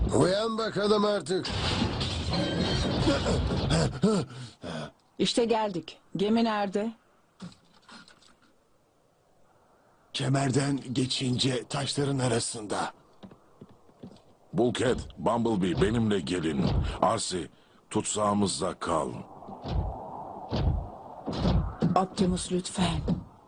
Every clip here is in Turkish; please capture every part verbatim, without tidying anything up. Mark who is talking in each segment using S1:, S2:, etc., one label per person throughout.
S1: Uyan bakalım artık.
S2: İşte geldik. Gemi nerede?
S3: Kemerden geçince taşların arasında.
S4: Bulkhead, Bumblebee benimle gelin. Arsi, tutsağımızda kal.
S2: Optimus lütfen.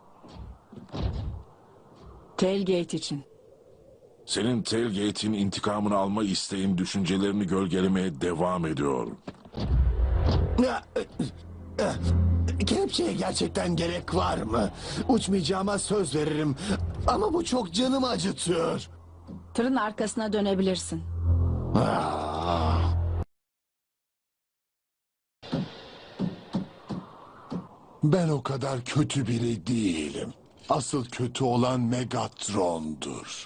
S2: Tailgate için.
S4: Senin tailgate'in intikamını alma isteğin düşüncelerini gölgelemeye devam ediyor.
S3: Kelepçeye gerçekten gerek var mı? Uçmayacağıma söz veririm. Ama bu çok canımı acıtıyor.
S2: Tırın arkasına dönebilirsin.
S3: Ah. Ben o kadar kötü biri değilim. Asıl kötü olan Megatron'dur.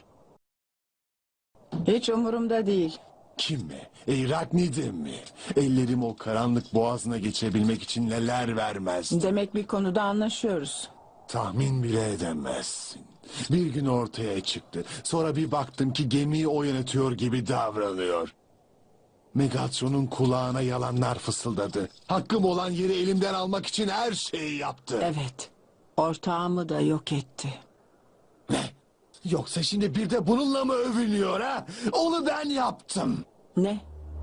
S2: Hiç umurumda değil.
S3: Kim mi? Eyraknid'im mi? Ellerim o karanlık boğazına geçebilmek için neler vermezdi.
S2: Demek bir konuda anlaşıyoruz.
S3: Tahmin bile edemezsin. Bir gün ortaya çıktı. Sonra bir baktım ki gemiyi o yönetiyor gibi davranıyor. Megatron'un kulağına yalanlar fısıldadı. Hakkım olan yeri elimden almak için her şeyi yaptı.
S2: Evet. Ortağımı da yok etti.
S3: Ne? Yoksa şimdi bir de bununla mı övünüyor ha? Onu ben yaptım.
S2: Ne?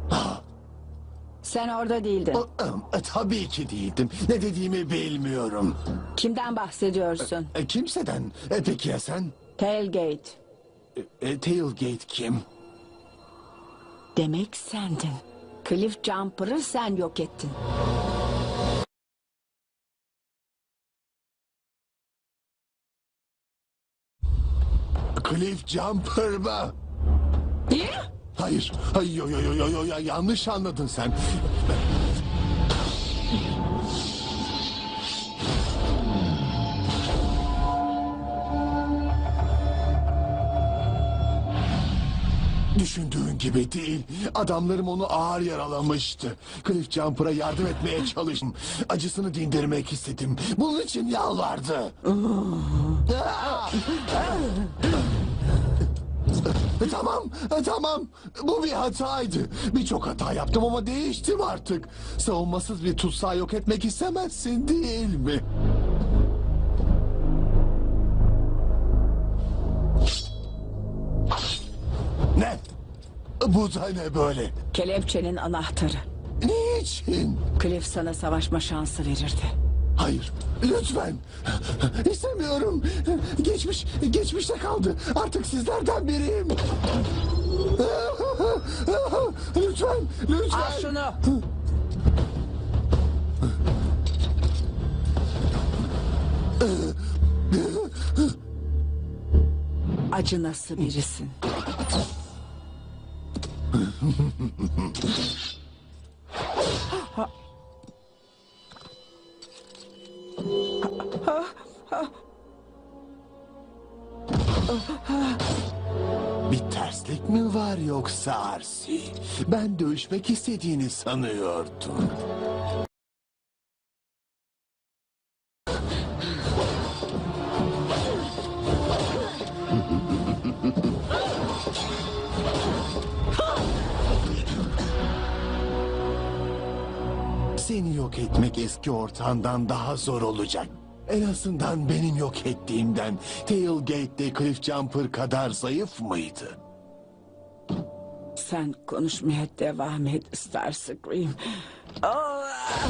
S2: Sen orada değildin.
S3: E, tabii ki değildim. Ne dediğimi bilmiyorum.
S2: Kimden bahsediyorsun?
S3: E, kimseden. E, peki ya sen?
S2: Tailgate.
S3: E, e, Tailgate kim?
S2: Demek sendin. Cliff Jumper'ı sen yok ettin.
S3: Cliff Jumper mı?
S2: Ne?
S3: Hayır. Hayır. Yo, yo, yo, yo, yo, yo, yanlış anladın sen. Düşündüğün gibi değil. Adamlarım onu ağır yaralamıştı. Cliff Jumper'a yardım etmeye çalıştım. Acısını dindirmek istedim. Bunun için yalvardı. Tamam, tamam. Bu bir hataydı. Birçok hata yaptım ama değiştim artık. Savunmasız bir tutsağı yok etmek istemezsin değil mi? Ne? Bu da ne böyle?
S2: Kelepçenin anahtarı.
S3: Niçin?
S2: Cliff sana savaşma şansı verirdi.
S3: Hayır, lütfen. İstemiyorum. Geçmiş, geçmişte kaldı. Artık sizlerden biriyim. Lütfen, lütfen.
S2: Al şunu. Acı nasıl birisin?
S3: Bir terslik mi var yoksa Arsi? Ben dövüşmek istediğini sanıyordum. Seni yok etmek eski ortağından daha zor olacak. En azından benim yok ettiğimden Tailgate'de Cliff Jumper kadar zayıf mıydı?
S2: Sen konuşmaya devam et Starscream. Oh!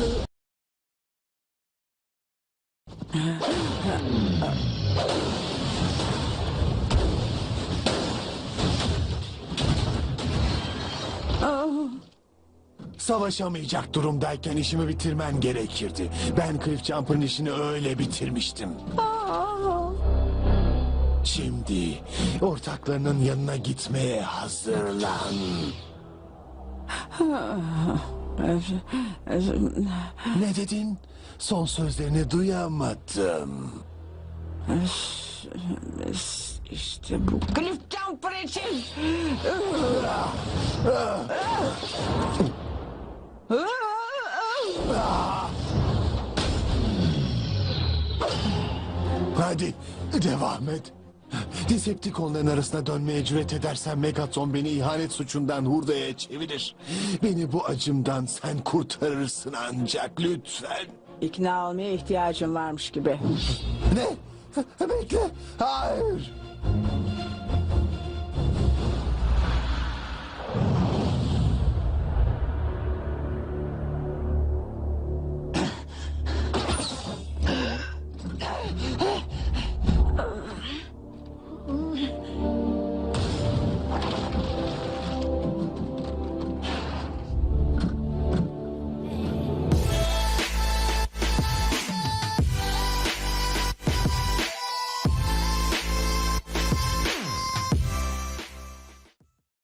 S2: Oh!
S3: Savaşamayacak durumdayken işimi bitirmen gerekirdi. Ben Cliff Jumper'ın işini öyle bitirmiştim.
S2: Oh!
S3: Şimdi ortaklarının yanına gitmeye hazırlan. Ne dedin? Son sözlerini duyamadım.
S2: İşte bu Cliff Jumper için.
S3: Hadi devam et. Decepticonların arasına dönmeye cüret edersen Megatron beni ihanet suçundan hurdaya çevirir. Beni bu acımdan sen kurtarırsın ancak lütfen.
S2: İkna olmaya ihtiyacım varmış gibi.
S3: Ne? Bekle. Hayır.